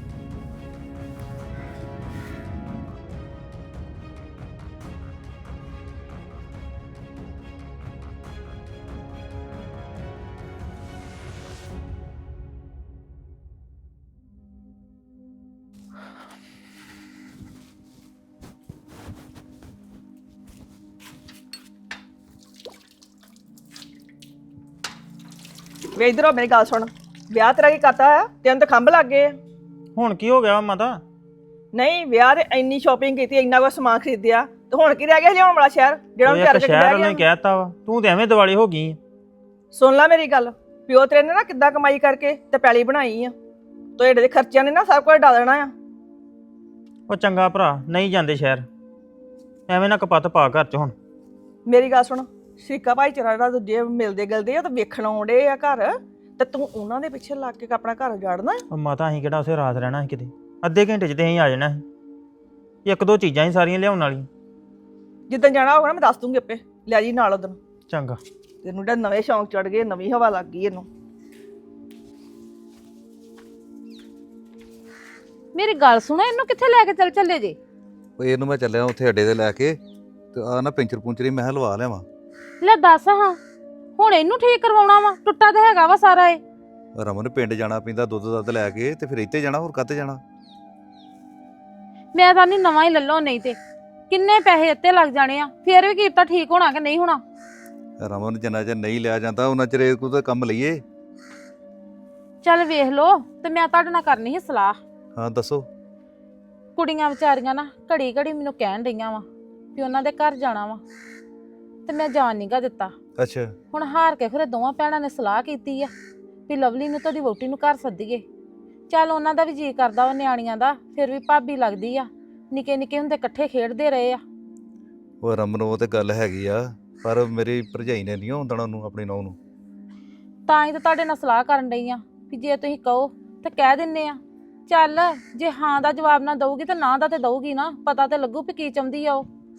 S6: ਵੇ ਇਧਰੋਂ ਮੇਰੀ ਗੱਲ ਸੁਣ, ਵਿਆਹ ਤੇਰਾ ਕੀ ਕਰਤਾ ਆ? ਤੈਨੂੰ ਤਾਂ ਖੰਭ ਲੱਗ ਗਏ ਆ।
S4: ਹੁਣ ਕੀ ਹੋ ਗਿਆ ਮਾਤਾ?
S6: ਨਹੀਂ ਵਿਆਹ ਤੇ ਇੰਨੀ ਸ਼ਾਪਿੰਗ ਕੀਤੀ, ਇੰਨਾ ਕੁ ਸਮਾਨ ਖਰੀਦਿਆ, ਤੇ ਹੁਣ ਕੀ ਰਹਿ ਗਿਆ ਲਿਆਉਣ ਵਾਲਾ ਸ਼ਹਿਰ ਜਿਹੜਾ
S4: ਉਹ
S6: ਉਹਨੂੰ
S4: ਇੱਕ
S6: ਤਿਆਰ ਕਰਕੇ
S4: ਸ਼ਹਿਰ
S6: ਬਹਿ
S4: ਵਾਲੇ
S6: ਗਿਆ?
S4: ਕਹਿਤਾ ਵਾ, ਤੂੰ ਤੇ ਐਵੇਂ ਦਿਵਾਲੀ ਹੋ ਗਈ।
S6: ਸੁਣ ਲੈ ਮੇਰੀ ਗੱਲ, ਪਿਓ ਤੇਰੇ ਨੇ ਨਾ ਕਿੱਦਾਂ ਕਮਾਈ ਕਰਕੇ ਤੇ ਪੈਲੀ ਬਣਾਈ ਆ, ਤੁਹਾਡੇ ਦੇ ਖਰਚਿਆਂ ਨੇ ਨਾ ਸਭ ਕੁਝ ਡਾ ਦੇਣਾ ਆ।
S4: ਉਹ ਚੰਗਾ ਭਰਾ, ਨਹੀਂ ਜਾਂਦੇ ਸ਼ਹਿਰ, ਐਵੇਂ ਨਾ ਕਪੱਤ ਪਾ ਘਰ ਚ। ਹੁਣ
S6: ਮੇਰੀ ਗੱਲ ਸੁਣ, ਸ਼ਰੀਕਾ ਭਾਈਚਾਰਾ ਦਾ ਦੂਜੇ ਮਿਲਦੇ ਗਿਲਦੇ ਆ ਤਾਂ ਵੇਖਣ ਆਉਂਦੇ ਆ ਘਰ, ਤੇ ਤੂੰ ਉਹਨਾਂ ਦੇ ਪਿੱਛੇ ਲੱਗ ਕੇ ਆਪਣਾ ਘਰ ਉਜਾੜਨਾ।
S4: ਉਹ ਮਾਤਾ ਅਸੀਂ ਕਿਹੜਾ ਉਸੇ ਰਾਤ ਰਹਿਣਾ ਸੀ ਕਿਤੇ? ਅੱਧੇ ਘੰਟੇ ਚ ਤੇ ਅਸੀਂ ਆ ਜਾਣਾ ਸੀ। ਇੱਕ ਦੋ ਚੀਜ਼ਾਂ ਹੀ ਸਾਰੀਆਂ ਲਿਆਉਣ ਵਾਲੀਆਂ।
S6: ਜਿੱਦਣ ਜਾਣਾ ਹੋਗਾ ਨਾ ਮੈਂ ਦੱਸ ਦੂੰਗੀ ਆਪੇ, ਲੈ ਜੀ ਨਾਲ ਉਦੋਂ।
S4: ਚੰਗਾ।
S6: ਤੈਨੂੰ ਜਿਹੜਾ ਨਵੇਂ ਸ਼ੌਂਕ ਚੜ ਗਏ, ਨਵੀਂ ਹਵਾ ਲੱਗ ਗਈ ਇਹਨੂੰ।
S3: ਮੇਰੀ ਗੱਲ ਸੁਣੋ, ਇਹਨੂੰ ਕਿੱਥੇ ਲੈ ਕੇ ਚੱਲ ਚੱਲੇ ਜੇ?
S7: ਉਹ ਇਹਨੂੰ ਮੈਂ ਚੱਲਿਆ ਉੱਥੇ ਅੱਡੇ ਤੇ ਲੈ ਕੇ, ਤੇ ਆ ਨਾ ਪੈਂਚਰ ਪੁੰਚਰ ਹੀ ਮੈਂ ਕਿਹਾ ਲਵਾ ਲਿਆਵਾਂ।
S3: ਲੈ ਦੱਸ ਹਾਂ, ਹੁਣ ਇਹਨੂੰ ਠੀਕ ਕਰਵਾਉਣਾ ਵਾ? ਟੁੱਟਾ ਤਾਂ ਹੈਗਾ ਵਾ ਸਾਰਾ ਇਹ।
S7: ਰਮਨ ਪਿੰਡ ਜਾਣਾ ਪੈਂਦਾ ਦੁੱਧ ਦੱਧ ਲੈ ਕੇ, ਤੇ ਫਿਰ ਇੱਥੇ ਜਾਣਾ, ਹੋਰ ਕਾਹਤੇ ਜਾਣਾ?
S3: ਮੈਂ ਤਾਂ ਨਹੀਂ ਨਵਾਂ ਹੀ ਲੱਲੋ, ਨਹੀਂ ਤੇ ਕਿੰਨੇ ਪੈਸੇ ਇੱਥੇ ਲੱਗ ਜਾਣੇ ਆ, ਫੇਰ ਵੀ ਕੀਤਾ ਠੀਕ ਹੋਣਾ ਕਿ ਨਹੀਂ ਹੋਣਾ?
S7: ਰਮਨ ਜਿੰਨਾ ਚਿਰ ਨਹੀਂ ਲਿਆ ਜਾਂਦਾ ਉਹਨਾਂ ਚਿਰ ਇਹ ਕੋਈ ਕੰਮ ਲਈਏ।
S3: ਚੱਲ ਵੇਖ ਲੋ, ਤੇ ਮੈਂ ਤੁਹਾਡੇ ਨਾਲ ਕਰਨੀ ਸੀ ਸਲਾਹ।
S7: ਹਾਂ ਦੱਸੋ।
S3: ਕੁੜੀਆਂ ਵਿਚਾਰੀਆਂ ਨਾ ਘੜੀ ਘੜੀ ਮੈਨੂੰ ਕਹਿਣ ਡਈਆਂ ਵਾ ਵੀ ਉਹਨਾਂ ਦੇ ਘਰ ਜਾਣਾ ਵਾ, ਤੇ ਮੈਂ ਜਾਣ ਨੀਗਾ ਦਿੱਤਾ।
S7: ਅੱਛਾ।
S3: ਹੁਣ ਹਾਰ ਕੇ ਫਿਰ ਦੋਵਾਂ ਭੈਣਾਂ ਨੇ ਸਲਾਹ ਕੀਤੀ ਆ ਵੀ ਲਵਲੀ ਨੂੰ ਤੁਹਾਡੀ ਵਹੁਟੀ ਨੂੰ ਘਰ ਸੱਦੀਏ। ਚੱਲ ਉਹਨਾਂ ਦਾ ਵੀ ਜੀ ਕਰਦਾ ਵਾ, ਨਿਆਣੀਆਂ ਦਾ, ਫਿਰ ਵੀ ਭਾਬੀ ਲੱਗਦੀ ਆ, ਨਿੱਕੇ ਨਿੱਕੇ ਹੁੰਦੇ ਇਕੱਠੇ ਖੇਡਦੇ ਰਹੇ ਆ।
S7: ਉਹ ਰਮਨ ਉਹ ਤੇ ਗੱਲ ਹੈਗੀ ਆ, ਪਰ ਮੇਰੀ ਭਰਜਾਈ ਨੇ ਨਹੀਂ ਆਉਂਦਣਾ ਉਹਨੂੰ, ਆਪਣੀ ਨੂੰਹ ਨੂੰ।
S3: ਤਾਂ ਹੀ ਤਾਂ ਤੁਹਾਡੇ ਨਾਲ ਸਲਾਹ ਕਰਨ ਡਈ ਆ ਵੀ ਜੇ ਤੁਸੀਂ ਕਹੋ ਤਾਂ ਕਹਿ ਦਿੰਨੇ ਆ। ਚੱਲ ਜੇ ਹਾਂ ਦਾ ਜਵਾਬ ਨਾ ਦਊਗੀ ਤਾਂ ਨਾ ਦਾ ਤੇ ਦਊਗੀ ਨਾ, ਪਤਾ ਤੇ ਲੱਗੂ ਵੀ ਕੀ ਚਾਹੁੰਦੀ ਆ ਉਹ।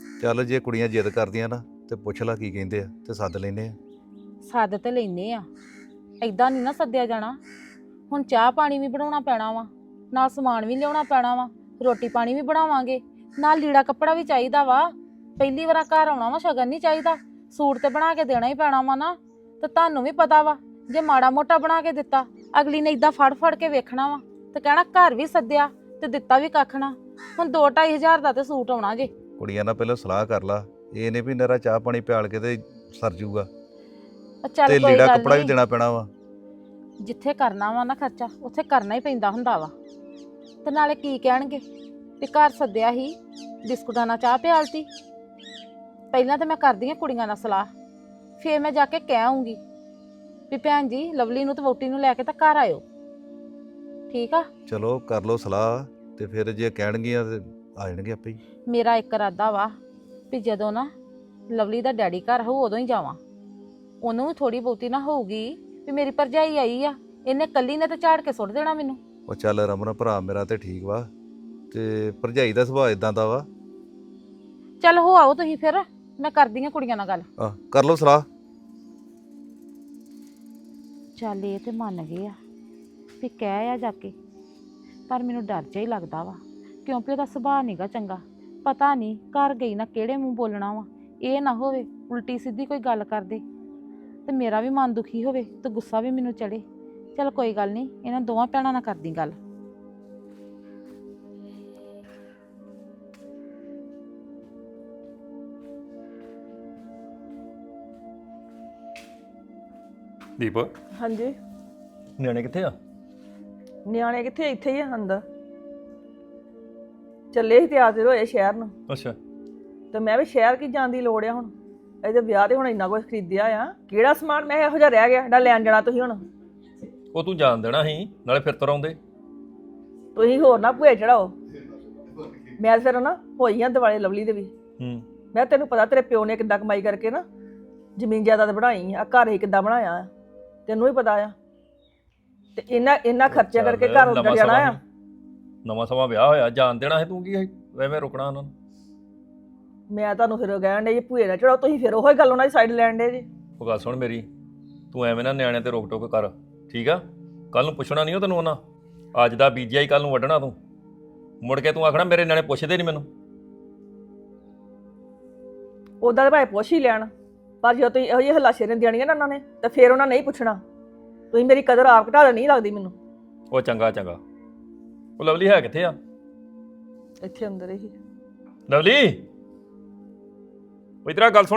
S7: ਚੱਲ ਜੇ ਕੁੜੀਆਂ ਜਿੱਦ ਕਰਦੀਆਂ ਨਾ ਤੇ ਪੁੱਛ ਲੈ ਕੀ ਕਹਿੰਦੇ ਆ ਤੇ ਸੱਦ ਲੈਨੇ ਆ।
S3: ਸੱਦ ਤੇ ਲੈਨੇ ਆ, ਐਦਾਂ ਨਹੀਂ ਨਾ ਸੱਦਿਆ ਜਾਣਾ। ਹੁਣ ਚਾਹ ਪਾਣੀ ਵੀ ਬਣਾਉਣਾ ਪੈਣਾ ਵਾ, ਨਾਲ ਸਮਾਨ ਵੀ ਲਿਆਉਣਾ ਪੈਣਾ ਵਾ, ਰੋਟੀ ਪਾਣੀ ਵੀ ਬਣਾਵਾਂਗੇ, ਨਾਲ ਲੀੜਾ ਕੱਪੜਾ ਵੀ ਚਾਹੀਦਾ ਵਾ। ਪਹਿਲੀ ਵਾਰ ਘਰ ਆਉਣਾ ਵਾ, ਸ਼ਗਨ ਨਹੀਂ ਚਾਹੀਦਾ, ਸੂਟ ਤੇ ਬਣਾ ਕੇ ਦੇਣਾ ਹੀ ਪੈਣਾ ਵਾ ਨਾ। ਤੇ ਤੁਹਾਨੂੰ ਵੀ ਪਤਾ ਵਾ, ਜੇ ਮਾੜਾ ਮੋਟਾ ਬਣਾ ਕੇ ਦਿੱਤਾ ਅਗਲੀ ਨੇ ਇਦਾਂ ਫੜ ਫੜ ਕੇ ਵੇਖਣਾ ਵਾ ਤੇ ਕਹਿਣਾ ਘਰ ਵੀ ਸੱਦਿਆ ਤੇ ਦਿੱਤਾ ਵੀ ਕੱਖ ਨਾ। ਹੁਣ ਦੋ ਢਾਈ ਹਜ਼ਾਰ ਦਾ ਤੇ ਸੂਟ ਆਉਣਾ ਜੇ।
S7: ਕੁੜੀਆਂ ਨਾਲ ਪਹਿਲਾਂ ਸਲਾਹ ਕਰ ਲਾ, ਇਹ ਨੇ ਵੀ ਨਰਾ ਚਾਹ ਪਾਣੀ ਪਿਆਲ ਕੇ ਤੇ ਸਰ ਜੂਗਾ
S3: ਉਹ ਚੱਲ
S7: ਤੇ
S3: ਕੋਈ
S7: ਲੀੜਾ
S3: ਗੱਲ
S7: ਕੱਪੜਾ ਵੀ
S3: ਨੀ,
S7: ਦੇਣਾ ਪੈਣਾ ਵਾ।
S3: ਜਿੱਥੇ ਕਰਨਾ ਵਾ ਨਾ ਖਰਚਾ ਉੱਥੇ ਕਰਨਾ ਹੀ ਪੈਂਦਾ ਹੁੰਦਾ ਵਾ। ਤੇ ਨਾਲੇ ਕੀ ਕਹਿਣਗੇ ਵੀ ਘਰ ਸੱਦਿਆ ਹੀ, ਬਿਸਕੁਟਾਂ ਨਾਲ ਚਾਹ ਪਿਆਲਤੀ। ਪਹਿਲਾਂ ਤਾਂ ਮੈਂ ਕਰਦੀ ਆ ਕੁੜੀਆਂ ਨਾਲ ਸਲਾਹ, ਫੇਰ ਮੈਂ ਜਾ ਕੇ ਕਹਿ ਆਉਂਗੀ ਵੀ ਭੈਣ ਜੀ ਲਵਲੀ ਨੂੰ ਤੇ ਵੋਟੀ ਨੂੰ ਲੈ ਕੇ ਤਾਂ ਘਰ ਆਇਓ। ਠੀਕ ਆ,
S7: ਚਲੋ ਕਰ ਲਓ ਸਲਾਹ ਤੇ ਫਿਰ ਜੇ ਕਹਿਣਗੀਆਂ ਤੇ ਆ ਜਾਣਗੇ ਆਪੇ ਹੀ।
S3: ਮੇਰਾ ਇੱਕ ਇਰਾਦਾ ਵਾ ਵੀ ਜਦੋਂ ਨਾ ਲਵਲੀ ਦਾ ਡੈਡੀ ਘਰ ਹੋਊ ਉਦੋਂ ਹੀ ਜਾਵਾਂ। ਉਹਨੂੰ ਵੀ ਥੋੜੀ ਬਹੁਤੀ ਨਾ ਹੋਊਗੀ ਵੀ ਮੇਰੀ ਭਰਜਾਈ ਆਈ ਆ, ਇਹਨੇ ਕੱਲੀ ਨੇ ਤੇ ਝਾੜ ਕੇ ਸੁੱਟ ਦੇਣਾ ਮੈਨੂੰ।
S7: ਉਹ ਚੱਲ ਰਮਨ ਭਰਾ ਮੇਰਾ ਤੇ ਠੀਕ ਵਾ, ਤੇ ਭਰਜਾਈ ਦਾ ਸੁਭਾਅ ਇਦਾਂ ਦਾ ਵਾ।
S3: ਚੱਲ ਹੋ ਆਓ ਤੁਸੀਂ, ਫਿਰ ਮੈਂ ਕਰਦੀ ਆ ਕੁੜੀਆਂ ਨਾਲ ਗੱਲ।
S7: ਆ ਕਰ ਲਓ ਸਲਾਹ।
S3: ਚੱਲ ਇਹ ਤੇ ਮੰਨ ਗਏ ਆ ਵੀ ਕਹਿ ਆ ਜਾ ਕੇ, ਪਰ ਮੈਨੂੰ ਡਰ ਜਿਹਾ ਹੀ ਲੱਗਦਾ ਵਾ ਕਿਉਂਕਿ ਉਹਦਾ ਸੁਭਾਅ ਨਹੀਂਗਾ ਚੰਗਾ। ਪਤਾ ਨਹੀਂ ਘਰ ਗਈ ਨਾ ਕਿਹੜੇ ਮੂੰਹ ਬੋਲਣਾ ਵਾ, ਇਹ ਨਾ ਹੋਵੇ ਉਲਟੀ ਸਿੱਧੀ ਕੋਈ ਗੱਲ ਕਰਦੇ ਤੇ ਮੇਰਾ ਵੀ ਮਨ ਦੁਖੀ ਹੋਵੇ ਤੇ ਗੁੱਸਾ ਵੀ ਮੈਨੂੰ ਚੜੇ। ਚੱਲ ਕੋਈ ਗੱਲ ਨਹੀਂ, ਇਹਨਾਂ ਦੋਵਾਂ ਭੈਣਾਂ ਨਾਲ ਕਰਦੀ ਗੱਲ।
S8: ਦੀਪ,
S6: ਹਾਂਜੀ।
S8: ਨਿਆਣੇ ਕਿੱਥੇ ਆ?
S6: ਨਿਆਣੇ ਕਿੱਥੇ, ਇੱਥੇ ਹੀ ਆ ਅੰਦਰ। ਚੱਲੇ ਸੀ ਤਿਆਰ ਤਿਰ ਹੋਏ ਸ਼ਹਿਰ ਨੂੰ,
S8: ਅੱਛਾ।
S6: ਤੇ ਮੈਂ ਵੀ ਸ਼ਹਿਰ ਕੀ ਜਾਣ ਦੀ ਲੋੜ ਆ ਹੁਣ। ਇਹਦੇ ਵਿਆਹ ਤੇ ਹੁਣ ਇੰਨਾ ਕੁਝ ਖਰੀਦਿਆ ਆ, ਕਿਹੜਾ ਸਮਾਨ ਮੈਂ ਇਹੋ ਜਿਹਾ ਰਹਿ ਗਿਆ ਜਿਹੜਾ ਲੈਣ ਜਾਣਾ ਤੁਸੀਂ ਹੁਣ?
S8: ਉਹ ਤੂੰ ਜਾਣ ਦੇਣਾ ਸੀ, ਨਾਲੇ ਫਿਰ ਤੁਰ ਆਉਂਦੇ।
S6: ਤੁਸੀਂ ਹੋਰ ਨਾ ਭੂਏ ਚੜਾਓ। ਮੈਂ ਫਿਰ ਨਾ ਹੋਈ ਆ ਦਿਵਾਲੇ ਲਵਲੀ ਦੇ ਵੀ।
S8: ਹੂੰ।
S6: ਮੈਂ ਤੈਨੂੰ ਪਤਾ ਤੇਰੇ ਪਿਓ ਨੇ ਕਿੱਦਾਂ ਕਮਾਈ ਕਰਕੇ ਨਾ ਜ਼ਮੀਨ ਜਾਇਦਾਦ ਬਣਾਈ ਆ, ਘਰ ਹੀ ਕਿੱਦਾਂ ਬਣਾਇਆ ਆ, ਤੈਨੂੰ ਵੀ ਪਤਾ ਆ। ਤੇ ਇਹਨਾਂ ਇਹਨਾਂ ਖਰਚਿਆਂ ਕਰਕੇ ਘਰ ਉੱਡ ਜਾਣਾ ਆ।
S8: ਨਵਾਂ ਸਮਾਂ ਵਿਆਹ ਹੋਇਆ, ਜਾਣ ਦੇਣਾ ਸੀ ਤੂੰ, ਕੀ ਐਵੇਂ ਰੁਕਣਾ ਉਹਨਾਂ ਨੂੰ?
S6: ਮੈਂ ਤੁਹਾਨੂੰ ਫਿਰ ਕਹਿਣ ਡੇ ਜੀ ਭੂਏ ਨਾ ਚੜਾਓ, ਤੁਸੀਂ ਫਿਰ ਉਹੋ ਹੀ ਗੱਲ ਉਹਨਾਂ ਦੀ ਸਾਈਡ ਲੈਣ ਡੇ ਜੀ।
S8: ਉਹ ਗੱਲ ਸੁਣ ਮੇਰੀ, ਤੂੰ ਐਵੇਂ ਨਾ ਨਿਆਣਿਆਂ ਤੇ ਰੋਕ ਟੋਕ ਕਰ, ਠੀਕ ਆ? ਕੱਲ ਨੂੰ ਪੁੱਛਣਾ ਨਹੀਂ ਉਹ ਤੈਨੂੰ ਉਹਨਾਂ, ਅੱਜ ਦਾ ਬੀਜਿਆ ਹੀ ਕੱਲ ਨੂੰ ਵੱਢਣਾ ਤੂੰ। ਮੁੜ ਕੇ ਤੂੰ ਆਖਣਾ ਮੇਰੇ ਨਿਆਣੇ ਪੁੱਛਦੇ ਨਹੀਂ ਮੈਨੂੰ।
S6: ਉੱਦਾਂ ਦੇ ਭਾਵੇਂ ਪੁੱਛ ਹੀ ਲੈਣ, ਪਰ ਜਦੋਂ ਤੁਸੀਂ ਇਹੋ ਜਿਹੇ ਹਲਾਸ਼ੇ ਦੇਣੀਆਂ ਨਾ ਉਹਨਾਂ ਨੇ ਤਾਂ ਫਿਰ ਉਹਨਾਂ ਨਹੀਂ ਪੁੱਛਣਾ। ਤੁਸੀਂ ਮੇਰੀ ਕਦਰ ਆਪ ਘਟਾ ਨਹੀਂ ਲੱਗਦੀ ਮੈਨੂੰ।
S8: ਉਹ ਚੰਗਾ ਚੰਗਾ। ਉਹ ਲਵਲੀ ਹੈ ਕਿੱਥੇ ਆ?
S6: ਇੱਥੇ ਅੰਦਰ ਹੀ।
S8: ਲਵਲੀ, ਉਹ ਇਧਰ ਆ, ਗੱਲ ਸੁਣ।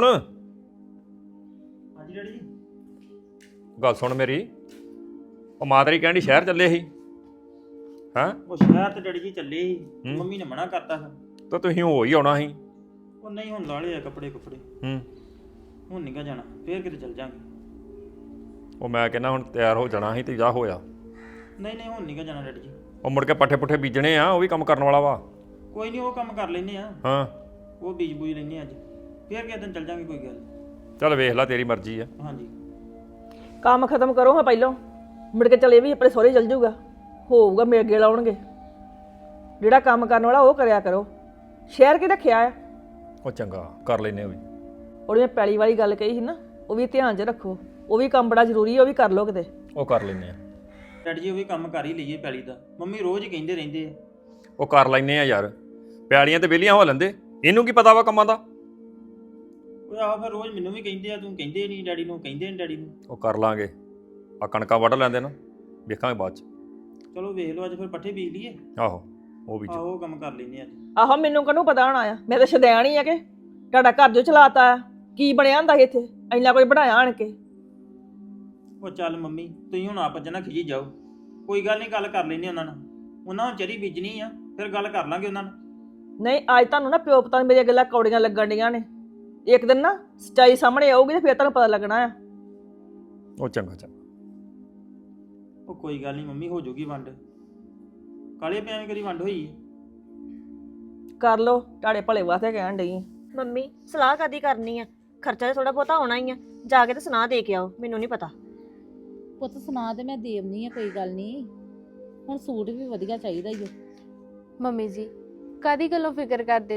S4: ਹਾਂਜੀ ਡੈਡੀ ਜੀ।
S8: ਗੱਲ ਸੁਣ ਮੇਰੀ, ਉਹ ਮਾਂ ਤੇਰੀ ਕਹਿੰਦੀ ਸ਼ਹਿਰ ਚੱਲੇ ਸੀ, ਹਾਂ?
S4: ਉਹ ਸ਼ਹਿਰ ਤੇ ਡੈਡੀ ਜੀ ਚੱਲੇ ਸੀ,
S8: ਹੂੰ।
S4: ਮੰਮੀ ਨੇ ਮਨਾ ਕਰਤਾ ਫਿਰ।
S8: ਤਾਂ ਤੁਸੀਂ ਹੋ ਹੀ ਆਉਣਾ ਸੀ।
S4: ਉਹ ਨਹੀਂ ਹੁਣ ਲਾ ਲਏ ਆ ਕੱਪੜੇ ਕੁੱਪੜੇ,
S8: ਹੂੰ।
S4: ਹੁਣ ਨਹੀਂ ਗਾ ਜਾਣਾ, ਫੇਰ ਕਿਤੇ ਚੱਲ ਜਾਾਂਗੇ।
S8: ਉਹ ਮੈਂ ਕਹਿੰਦਾ ਹੁਣ ਤਿਆਰ ਹੋ ਜਾਣਾ ਸੀ ਤੇ ਜਾ ਹੋਇਆ।
S4: ਨਹੀਂ ਨਹੀਂ ਹੁਣ ਨਹੀਂ ਗਾ ਜਾਣਾ ਡੈਡੀ ਜੀ।
S8: ਉਹ ਮੁੜ ਕੇ ਪੱਠੇ ਪੁੱਠੇ ਬੀਜਣੇ ਆ, ਉਹ ਵੀ ਕੰਮ ਕਰਨ ਵਾਲਾ ਵਾ।
S4: ਕੋਈ ਨਹੀਂ ਉਹ ਕੰਮ ਕਰ ਲੈਨੇ ਆ,
S8: ਹਾਂ।
S4: ਉਹ ਬੀਜ ਬੂਜ ਲੈਨੇ ਅੱਜ, ਫੇਰ ਕਿਸੇ ਦਿਨ ਚੱਲ ਜਾਾਂਗੇ, ਕੋਈ ਗੱਲ ਨੀ।
S8: ਚੱਲ ਵੇਖ ਲੈ, ਤੇਰੀ ਮਰਜ਼ੀ ਆ।
S4: ਹਾਂਜੀ।
S6: ਕੰਮ ਖਤਮ ਕਰੋ ਹਾਂ ਪਹਿਲਾਂ, ਮੁੜ ਕੇ ਚਲੇ ਵੀ ਆਪਣੇ ਸਹੁਰੇ ਚੱਲ ਜਾਊਗਾ, ਹੋਊਗਾ ਮੇਰੇ ਅੱਗੇ ਲਾਉਣਗੇ। ਜਿਹੜਾ ਕੰਮ ਕਰਨ ਵਾਲਾ ਉਹ ਕਰਿਆ ਕਰੋ। ਸ਼ਹਿਰ ਕੀ ਰੱਖਿਆ ਆ?
S8: ਉਹ ਚੰਗਾ ਕਰ ਲੈਨੇ ਉਹ ਵੀ।
S6: ਉਹਦੀ ਮੈਂ ਪੈਲੀ ਵਾਲੀ ਗੱਲ ਕਹੀ ਸੀ ਨਾ, ਉਹ ਵੀ ਧਿਆਨ 'ਚ ਰੱਖੋ। ਉਹ ਵੀ ਕੰਮ ਬੜਾ ਜ਼ਰੂਰੀ ਹੈ, ਉਹ ਵੀ ਕਰ ਲਓ ਕਿਤੇ।
S8: ਉਹ ਕਰ ਲੈਨੇ ਆ।
S4: ਡੈਡੀ ਜੀ ਉਹ ਵੀ ਕੰਮ ਕਰ ਹੀ ਲਈਏ ਪੈਲੀ ਦਾ, ਮੰਮੀ ਰੋਜ਼ ਹੀ ਕਹਿੰਦੇ ਰਹਿੰਦੇ ਆ।
S8: ਉਹ ਕਰ ਲੈਨੇ ਆ ਯਾਰ, ਪਿਆਲੀਆਂ ਤੇ ਵਿਹਲੀਆਂ ਹੋ ਲੈਂਦੇ, ਇਹਨੂੰ ਕੀ ਪਤਾ ਵਾ ਕੰਮਾਂ ਦਾ।
S4: ਉਹ ਆਹ ਫਿਰ ਰੋਜ਼ ਮੈਨੂੰ ਵੀ ਕਹਿੰਦੇ ਆ, ਤੂੰ ਕਹਿੰਦੇ ਨਹੀਂ ਡੈਡੀ ਨੂੰ, ਕਹਿੰਦੇ ਨਹੀਂ ਡੈਡੀ ਨੂੰ।
S8: ਉਹ ਕਰ ਲਾਂਗੇ, ਆ ਕਣਕਾਂ ਵੱਢ ਲੈਂਦੇ ਨਾ, ਵੇਖਾਂਗੇ ਬਾਅਦ ਚ।
S4: ਚਲੋ ਵੇਖ ਲਓ, ਅੱਜ ਫਿਰ ਪੱਠੇ ਬੀਜ ਲਈਏ।
S8: ਆਹੋ ਉਹ ਵੀ।
S4: ਆਹੋ ਉਹ ਕੰਮ ਕਰ ਲੈਨੇ ਅੱਜ।
S6: ਆਹੋ ਮੈਨੂੰ ਕਾਹਨੂੰ ਪਤਾ ਹੋਣਾ ਆ, ਮੈਂ ਤਾਂ ਸ਼ਦੈਣ ਹੀ ਆ ਕਿ ਤੁਹਾਡਾ ਘਰ ਜੋ ਚਲਾਤਾ ਆ। ਕੀ ਬਣਿਆ ਹੁੰਦਾ ਸੀ ਇੱਥੇ, ਇੰਨਾ ਕੁਝ ਬਣਾਇਆ ਆਣ ਕੇ।
S4: ਉਹ ਚੱਲ ਮੰਮੀ ਤੁਸੀਂ ਹੁਣ ਆਪ ਜਨਾ ਖਿਜੀ ਜਾਓ, ਕੋਈ ਗੱਲ ਨਹੀਂ, ਗੱਲ ਕਰ ਲੈਨੇ ਉਹਨਾਂ ਨਾਲ। ਉਹਨਾਂ ਨੂੰ ਚਰੀ ਬੀਜਣੀ ਆ, ਫਿਰ ਗੱਲ ਕਰ ਲਾਂਗੇ ਉਹਨਾਂ ਨਾਲ।
S6: ਨਹੀਂ ਅੱਜ ਤੁਹਾਨੂੰ ਨਾ ਪਿਓ ਪਤਾ ਮੇਰੀਆਂ ਗੱਲਾਂ ਕੌੜੀਆਂ ਲੱਗਣ ਡੀਆਂ ਨੇ। ਇੱਕ ਦਿਨ ਨਾ ਸੱਚਾਈ ਸਾਹਮਣੇ ਆਊਗੀ ਤੇ ਫਿਰ ਤੁਹਾਨੂੰ ਪਤਾ ਲੱਗਣਾ ਆ।
S8: ਉਹ ਚੰਗਾ ਚੰਗਾ।
S4: ਉਹ ਕੋਈ ਗੱਲ ਨਹੀਂ ਮੰਮੀ, ਹੋ ਜਾਊਗੀ ਵੰਡ, ਕਾਲੇ ਪਿਆਵੇਂ ਕਰੀ ਵੰਡ ਹੋਈ।
S6: ਕਰ ਲਓ, ਤੁਹਾਡੇ ਭਲੇ ਵਾਸਤੇ ਕਹਿਣ ਡਈ।
S2: ਮੰਮੀ ਸਲਾਹ ਕਾਦੀ ਕਰਨੀ ਆ, ਖਰਚਾ ਤਾਂ ਥੋੜਾ ਬਹੁਤਾ ਆਉਣਾ ਹੀ ਆ। ਜਾ ਕੇ ਤੇ ਸੁਣਾ ਦੇ ਕੇ ਆਓ, ਮੈਨੂੰ ਨਹੀਂ ਪਤਾ।
S3: ਪੁੱਤ ਸੁਣਾ ਤੇ ਮੈਂ ਦੇਵਨੀ ਆ, ਕੋਈ ਗੱਲ ਨਹੀਂ। ਹੁਣ ਸੂਟ ਵੀ ਵਧੀਆ ਚਾਹੀਦਾ ਈ ਓ।
S1: ਮੰਮੀ ਜੀ ਕਾਦੀ ਗੱਲੋਂ ਫਿਕਰ ਕਰਦੇ ਜੀ,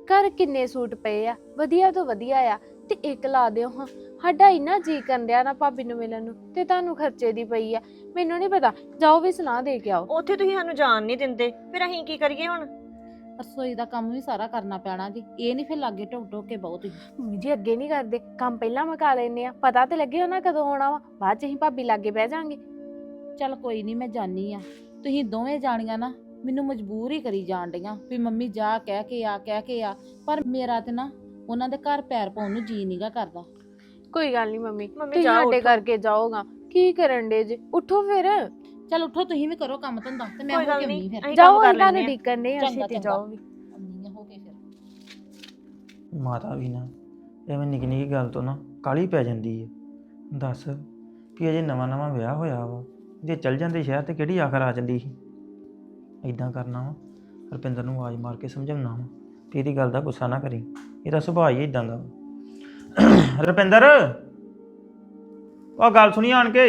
S1: ਘਰ ਕਿੰਨੇ ਸੂਟ ਪਏ ਆ, ਵਧੀਆ ਤੋਂ ਵਧੀਆ ਆ, ਤੇ ਇੱਕ ਲਾ ਦਿਓ ਹਾਂ। ਸਾਡਾ ਇੰਨਾ ਜੀ ਕਰਨ ਡਿਆ ਨਾ ਭਾਬੀ ਨੂੰ ਮਿਲਣ ਨੂੰ, ਤੇ ਤੁਹਾਨੂੰ ਖਰਚੇ ਦੀ ਪਈ ਆ। ਮੈਨੂੰ ਨਹੀਂ ਪਤਾ, ਜਾਓ ਵੀ ਸੁਣਾ ਦੇ ਕੇ ਆਓ।
S2: ਉੱਥੇ ਤੁਸੀਂ ਸਾਨੂੰ ਜਾਣ ਨਹੀਂ ਦਿੰਦੇ, ਫਿਰ ਅਸੀਂ ਕੀ ਕਰੀਏ ਹੁਣ?
S3: ਰਸੋਈ ਦਾ ਕੰਮ ਵੀ ਸਾਰਾ ਕਰਨਾ ਪੈਣਾ ਜੀ, ਇਹ ਨਹੀਂ ਫਿਰ ਲਾਗੇ ਢੋਕ ਢੋਕ ਕੇ ਬਹੁਤ ਹੀ।
S1: ਮੰਮੀ ਜੀ ਅੱਗੇ ਨਹੀਂ ਕਰਦੇ, ਕੰਮ ਪਹਿਲਾਂ ਮੁਕਾ ਲੈਨੇ ਆ, ਪਤਾ ਤੇ ਲੱਗੇ ਉਹਨਾਂ ਕਦੋਂ ਆਉਣਾ ਵਾ, ਬਾਅਦ ਚ ਅਸੀਂ ਭਾਬੀ ਲਾਗੇ ਬਹਿ ਜਾਾਂਗੇ।
S3: ਚੱਲ ਕੋਈ ਨਹੀਂ, ਮੈਂ ਜਾਣੀ ਆ। ਤੁਸੀਂ ਦੋਵੇਂ ਜਾਣੀਆਂ ਨਾ ਮੈਨੂੰ ਮਜਬੂਰ ਹੀ ਕਰੀ ਜਾਣ ਡੀਆਂ ਵੀ ਮੰਮੀ ਜਾ ਕਹਿ ਕੇ ਆ ਕਹਿ ਕੇ ਆ, ਪਰ ਮੇਰਾ ਤੇ ਨਾ ਉਹਨਾਂ ਦੇ ਘਰ ਪੈਰ ਪਾਉਣ ਨੂੰ ਜੀ ਨੀਗਾ ਕਰਦਾ।
S1: ਕੋਈ ਗੱਲ ਨਹੀਂ ਮੰਮੀ,
S2: ਮੰਮੀ
S1: ਤੁਸੀਂ
S2: ਜਾਓ,
S1: ਸਾਡੇ
S2: ਉੱਠੋ।
S1: ਕਰਕੇ ਜਾਓਗਾ, ਕੀ ਕਰਨ ਡੇ ਜੇ? ਉੱਠੋ ਫਿਰ,
S3: ਚੱਲ ਉੱਠੋ, ਤੁਸੀਂ ਵੀ ਕਰੋ ਕੰਮ ਧੰਦਾ ਤੇ ਮੈਂ
S2: ਕੋਈ
S3: ਹੋ
S2: ਗੱਲ
S3: ਕੇ
S2: ਨਹੀਂ,
S3: ਆਉਣੀ ਫਿਰ।
S2: ਅਸੀਂ
S1: ਜਾਓ
S2: ਕੰਮ ਕਰ
S1: ਇਹਨਾਂ ਨੂੰ
S2: ਲੈਂਦੇ ਆ।
S1: ਡੀਕਣ ਨੇ,
S3: ਚੰਗਾ,
S1: ਛੇਤੀ
S3: ਚੰਗਾ।
S1: ਜਾਓ ਵੀ।
S3: ਆਉਂਦੀ ਆ ਹੋ ਕੇ ਫਿਰ।
S4: ਮਾਤਾ ਵੀ ਨਾ ਐਵੇਂ ਨਿੱਕੀ ਨਿੱਕੀ ਗੱਲ ਤੋਂ ਨਾ ਕਾਲੀ ਪੈ ਜਾਂਦੀ ਹੈ। ਦੱਸ ਵੀ ਅਜੇ ਨਵਾਂ ਨਵਾਂ ਵਿਆਹ ਹੋਇਆ ਵਾ, ਜੇ ਚੱਲ ਜਾਂਦੇ ਸ਼ਹਿਰ ਤੇ ਕਿਹੜੀ ਆਖਰ ਆ ਜਾਂਦੀ ਸੀ। ਇਦਾਂ ਕਰਨਾ ਵਾ, ਰੁਪਿੰਦਰ ਨੂੰ ਆਵਾਜ਼ ਮਾਰ ਕੇ ਸਮਝਾਉਣਾ ਵਾ ਵੀ ਇਹਦੀ ਗੱਲ ਦਾ ਗੁੱਸਾ ਨਾ ਕਰੀ, ਇਹਦਾ ਸੁਭਾਅ ਹੀ ਇਦਾਂ ਦਾ ਵਾ। ਰੁਪਿੰਦਰ, ਉਹ ਗੱਲ ਸੁਣੀ ਆਣ ਕੇ।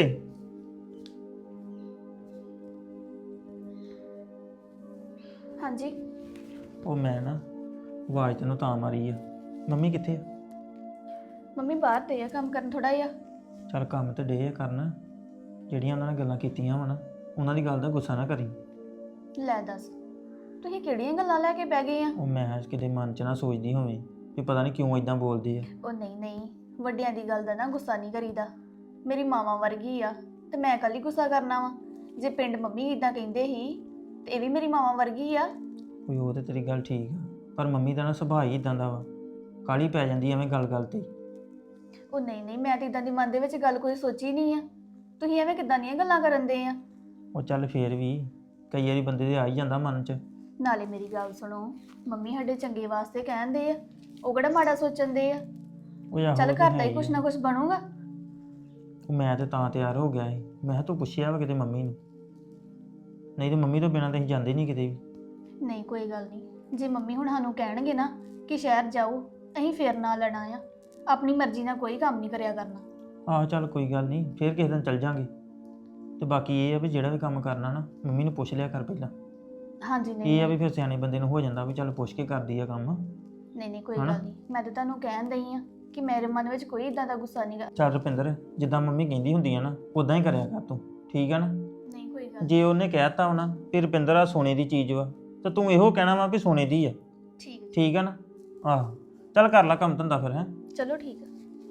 S5: ਹਾਂਜੀ
S4: ਉਹ ਮੈਂ ਨਾ ਆਵਾਜ਼ ਤੈਨੂੰ ਤਾਂ ਮਾਰੀ ਆ, ਮੰਮੀ ਕਿੱਥੇ ਆ?
S5: ਮੰਮੀ ਬਾਹਰ ਤੇ ਆ ਕੰਮ ਕਰਨ ਥੋੜਾ ਜਿਹਾ।
S4: ਚੱਲ ਕੰਮ ਤੇ ਡੇ ਕਰਨ, ਜਿਹੜੀਆਂ ਉਹਨਾਂ ਨੇ ਗੱਲਾਂ ਕੀਤੀਆਂ ਵਾ ਨਾ, ਉਹਨਾਂ ਦੀ ਗੱਲ ਦਾ ਗੁੱਸਾ ਨਾ ਕਰੀ।
S5: ਲੈ ਦੱਸ, ਤੁਸੀਂ ਕਿਹੜੀਆਂ ਗੱਲਾਂ ਲੈ ਕੇ ਬਹਿ ਗਏ ਆ?
S4: ਉਹ ਮੈਂ ਕਿਤੇ ਮਨ 'ਚ ਨਾ ਸੋਚਦੀ ਹੋਵੇ ਵੀ ਪਤਾ ਨਹੀਂ ਕਿਉਂ ਇਦਾਂ ਬੋਲਦੇ ਆ।
S5: ਉਹ ਨਹੀਂ ਨਹੀਂ, ਵੱਡਿਆਂ ਦੀ ਗੱਲ ਦਾ ਨਾ ਗੁੱਸਾ ਨਹੀਂ ਕਰੀਦਾ। ਮੇਰੀ ਮਾਵਾਂ ਵਰਗੀ ਆ ਤੇ ਮੈਂ ਕੱਲ ਹੀ ਗੁੱਸਾ ਕਰਨਾ ਵਾ? ਜੇ ਪਿੰਡ ਮੰਮੀ ਇਦਾਂ ਕਹਿੰਦੇ ਸੀ ਤੇ ਇਹ ਵੀ ਮੇਰੀ ਮਾਵਾਂ ਵਰਗੀ ਆ।
S4: ਕੋਈ ਉਹ ਤੇ ਤੇਰੀ ਗੱਲ ਠੀਕ ਆ, ਪਰ ਮੰਮੀ ਦਾ ਨਾ ਸੁਭਾਅ ਹੀ ਇਦਾਂ ਦਾ ਵਾ, ਕਾਲੀ ਪੈ ਜਾਂਦੀ ਐਵੇਂ ਗੱਲ ਗੱਲ ਤੇ।
S5: ਉਹ ਨਹੀਂ ਨਹੀਂ, ਮੈਂ ਤੇ ਇਦਾਂ ਦੀ ਮਨ ਦੇ ਵਿੱਚ ਗੱਲ ਕੋਈ ਸੋਚੀ ਨਹੀਂ ਆ। ਤੁਸੀਂ ਐਵੇਂ ਕਿੱਦਾਂ ਦੀਆਂ ਗੱਲਾਂ ਕਰਨ ਦੇ ਆ?
S4: ਉਹ ਚੱਲ ਫੇਰ ਵੀ ਕਈ ਵਾਰੀ ਬੰਦੇ ਦੇ ਆ ਹੀ ਜਾਂਦਾ ਮਨ 'ਚ।
S5: ਨਾਲੇ ਮੇਰੀ ਗੱਲ ਸੁਣੋ, ਮੰਮੀ ਸਾਡੇ ਚੰਗੇ ਵਾਸਤੇ ਕਹਿੰਦੇ ਆ, ਉਹ ਕਿਹੜਾ ਮਾੜਾ ਸੋਚਣ ਦੇ ਆ।
S4: ਉਹ ਆਹੋ
S5: ਚੱਲ
S4: ਉਹ ਤੇ
S5: ਘਰ ਦਾ
S4: ਹੈ
S5: ਹੀ ਕੁਛ
S4: ਆ।
S5: ਨਾ ਕੁਛ ਬਣੂਗਾ।
S4: ਉਹ ਮੈਂ ਤੇ ਤਾਂ ਤਿਆਰ ਹੋ ਗਿਆ ਸੀ, ਮੈਂ ਕਿਹਾ ਤੂੰ ਪੁੱਛਿਆ ਵਾ ਕਿਤੇ ਮੰਮੀ ਨੂੰ, ਨਹੀਂ ਤੇ ਮੰਮੀ ਤੋਂ ਬਿਨਾਂ ਤਾਂ ਅਸੀਂ ਜਾਂਦੇ ਨਹੀਂ ਕਿਤੇ ਵੀ।
S5: ਨਹੀਂ ਕੋਈ ਗੱਲ ਨਹੀਂ, ਜੇ ਮੰਮੀ ਹੁਣ ਸਾਨੂੰ ਕਹਿਣਗੇ ਨਾ ਕਿ ਸ਼ਹਿਰ ਜਾਓ, ਅਸੀਂ ਫੇਰ ਨਾ ਲੈਣਾ ਆ। ਆਪਣੀ ਮਰਜ਼ੀ ਨਾਲ ਕੋਈ ਕੰਮ ਨਹੀਂ ਕਰਿਆ ਕਰਨਾ।
S4: ਆਹ ਚੱਲ ਕੋਈ ਗੱਲ ਨਹੀਂ, ਫੇਰ ਕਿਸੇ ਦਿਨ ਚੱਲ ਜਾਂਗੇ। ਤੇ ਬਾਕੀ ਇਹ ਆ ਵੀ ਜਿਹੜਾ ਵੀ ਕੰਮ ਕਰਨਾ ਨਾ ਮੰਮੀ ਨੂੰ ਪੁੱਛ ਲਿਆ ਕਰ ਪਹਿਲਾਂ।
S5: ਹਾਂਜੀ ਨਹੀਂ
S4: ਇਹ ਆ ਵੀ ਫਿਰ ਸਿਆਣੇ ਬੰਦੇ ਨੂੰ ਹੋ ਜਾਂਦਾ ਵੀ ਚੱਲ ਪੁੱਛ ਕੇ ਕਰਦੀ ਆ ਕੰਮ।
S5: ਨਹੀਂ ਨਹੀਂ ਕੋਈ
S4: ਹਨਾ?
S5: ਗੱਲ ਨਹੀਂ, ਮੈਂ ਤਾਂ ਤੁਹਾਨੂੰ ਕਹਿਣ ਦਈ ਆ ਕਿ ਮੇਰੇ ਮਨ ਵਿੱਚ ਕੋਈ ਇਦਾਂ ਦਾ ਗੁੱਸਾ ਨਹੀਂਗਾ।
S4: ਚੱਲ ਰੁਪਿੰਦਰ, ਜਿੱਦਾਂ ਮੰਮੀ ਕਹਿੰਦੀ ਹੁੰਦੀ ਆ ਨਾ ਉਦਾਂ ਹੀ ਕਰਿਆ ਕਰ ਤੂੰ, ਠੀਕ ਆ ਨਾ?
S5: ਨਹੀਂ ਕੋਈ ਗੱਲ
S4: ਜੇ ਉਹਨੇ ਕਹਿਤਾ ਹੋਣਾ ਵੀ ਰੁਪਿੰਦਰ ਆ ਸੋਨੇ ਦੀ ਚੀਜ਼ ਵਾ, ਤਾਂ ਤੂੰ ਇਹੋ ਕਹਿਣਾ ਵਾ ਵੀ ਸੋਨੇ ਦੀ ਆ,
S5: ਠੀਕ ਹੈ।
S4: ਠੀਕ ਆ ਨਾ? ਆਹੋ ਚੱਲ ਕਰ ਲੈ ਕੰਮ ਧੰਦਾ ਫਿਰ। ਹੈ
S5: ਚਲੋ ਠੀਕ ਆ।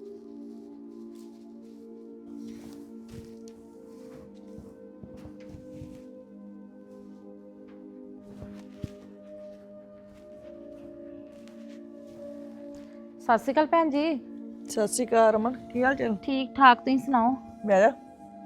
S3: ਸਤਿ ਸ਼੍ਰੀ ਅਕਾਲ ਭੈਣ ਜੀ।
S6: ਸਤਿ ਸ਼੍ਰੀ ਅਕਾਲ ਰਮਨ, ਕੀ ਹਾਲ ਚਾਲ?
S3: ਠੀਕ ਠਾਕ, ਤੁਸੀਂ ਸੁਣਾਓ?
S6: ਬਹਿ ਜਾ।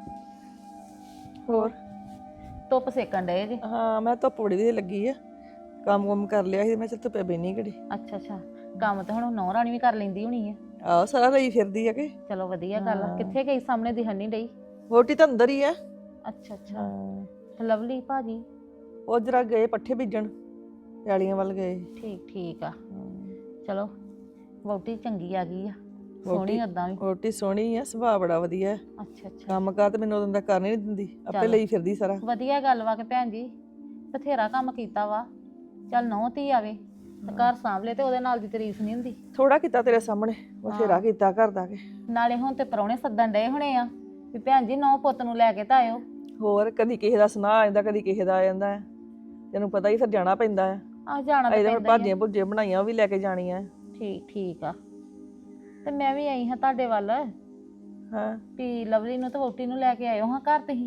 S6: ਹੋਰ?
S3: ਧੁੱਪ ਸੇਕਣ ਡਏ ਜੀ?
S6: ਹਾਂ, ਮੈਂ ਧੁੱਪ ਬੜੀ ਦੀ ਲੱਗੀ ਆ, ਕੰਮ ਕੰਮ ਕਰ ਲਿਆ ਸੀ, ਮੈਂ ਚੱਲ ਧੁੱਪੇ ਬੈਣੀ ਘੜੀ।
S3: ਅੱਛਾ ਅੱਛਾ, ਕੰਮ ਤਾਂ ਹੁਣ ਨੌ ਰਾਣੀ ਵੀ ਕਰ ਲੈਂਦੀ ਹੋਣੀ ਹੈ।
S6: ਆਹੋ, ਸਾਰਾ ਲਈ ਫਿਰਦੀ ਆ ਕਿ।
S3: ਚਲੋ ਵਧੀਆ ਗੱਲ ਆ।
S6: ਹਾਂ।
S3: ਕਿੱਥੇ ਗਈ? ਸਾਹਮਣੇ ਦਿਖਣ ਨਹੀਂ ਡਈ।
S6: ਵੋਟੀ ਤਾਂ ਅੰਦਰ ਹੀ ਆ।
S3: ਅੱਛਾ ਅੱਛਾ,
S6: ਹਾਂ,
S3: ਤੇ ਲਵਲੀ ਭਾਜੀ?
S6: ਉਹ ਜਰਾ ਗਏ ਪੱਠੇ ਬੀਜਣ, ਪਿਆਲੀਆਂ ਵੱਲ ਗਏ।
S3: ਠੀਕ ਠੀਕ ਆ।
S6: ਹਾਂ।
S3: ਚਲੋ, ਵਹੁਟੀ ਚੰਗੀ ਆ ਗਈ ਆ, ਸੋਹਣੀ
S6: ਵਹੁਟੀ-
S3: ਓਦਾਂ ਵੀ।
S6: ਵੋਟੀ ਸੋਹਣੀ ਆ, ਸੁਭਾਅ ਬੜਾ ਵਧੀਆ ਹੈ।
S3: ਅੱਛਾ ਅੱਛਾ,
S6: ਕੰਮ ਕਾਰ ਤੇ ਮੈਨੂੰ ਉਦੋਂ ਦਾ ਕਰਨ ਹੀ ਨਹੀਂ ਦਿੰਦੀ, ਆਪੇ
S3: ਚੱਲ।
S6: ਲਈ ਫਿਰਦੀ ਸਾਰਾ।
S3: ਵਧੀਆ ਗੱਲ ਵਾ ਕਿ ਭੈਣ ਜੀ ਬਥੇਰਾ ਕੰਮ ਕੀਤਾ ਵਾ। ਚੱਲ ਨੌ ਧੀ ਆਵੇ ਤੇ ਘਰ ਸਾਂਭਲੇ ਤੇ ਉਹਦੇ ਨਾਲ ਦੀ ਤਾਰੀਫ ਨਹੀਂ ਹੁੰਦੀ।
S6: ਥੋੜਾ ਕੀਤਾ ਤੇਰੇ ਸਾਹਮਣੇ, ਬਥੇਰਾ
S3: ਹਾਂ।
S6: ਕੀਤਾ ਘਰ ਦਾ ਕੇ।
S3: ਨਾਲੇ ਹੁਣ ਤੇ ਪ੍ਰਾਹੁਣੇ ਸੱਦਣ ਡਏ ਹੋਣੇ ਆ ਵੀ ਭੈਣ ਜੀ ਨੌ ਪੁੱਤ ਨੂੰ ਲੈ ਕੇ ਤਾਂ ਆਇਓ।
S6: ਹੋਰ ਕਦੀ ਕਿਸੇ ਦਾ ਸੁਨਾਹ ਆ ਜਾਂਦਾ, ਕਦੀ ਕਿਸੇ ਦਾ ਆ ਜਾਂਦਾ ਹੈ। ਤੈਨੂੰ ਪਤਾ ਹੀ ਫਿਰ ਜਾਣਾ ਪੈਂਦਾ ਹੈ।
S3: ਆ ਜਾਣਾ ਤਾਂ
S6: ਇਹਦੇ ਹੁਣ
S3: ਪੈਂਦਾ ਹੀ ਆ।
S6: ਭਾਜੀਆਂ ਭੁੱਜੀਆਂ ਬਣਾਈਆਂ, ਉਹ ਵੀ ਲੈ ਕੇ ਜਾਣੀਆਂ।
S3: ਠੀਕ ਠੀਕ ਆ। ਤੇ ਮੈਂ ਵੀ ਆਈ ਹਾਂ ਤੁਹਾਡੇ ਵੱਲ
S6: ਹਾਂ,
S3: ਵੀ ਲਵਲੀ ਨੂੰ ਤੇ ਵਹੁਟੀ ਨੂੰ ਲੈ ਕੇ ਆਇਓ ਹਾਂ ਘਰ ਤੁਸੀਂ।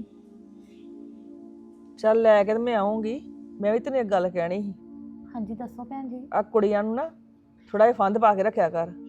S6: ਚੱਲ ਲੈ ਕੇ ਤੇ ਮੈਂ ਆਉਂਗੀ। ਮੈਂ ਵੀ ਤੈਨੂੰ ਇੱਕ ਗੱਲ ਕਹਿਣੀ ਸੀ।
S3: ਹਾਂਜੀ ਦੱਸੋ ਭੈਣ ਜੀ।
S6: ਆ ਕੁੜੀਆਂ ਨੂੰ ਨਾ ਥੋੜਾ ਜਿਹਾ ਫੰਦ ਪਾ ਕੇ ਰੱਖਿਆ ਕਰ।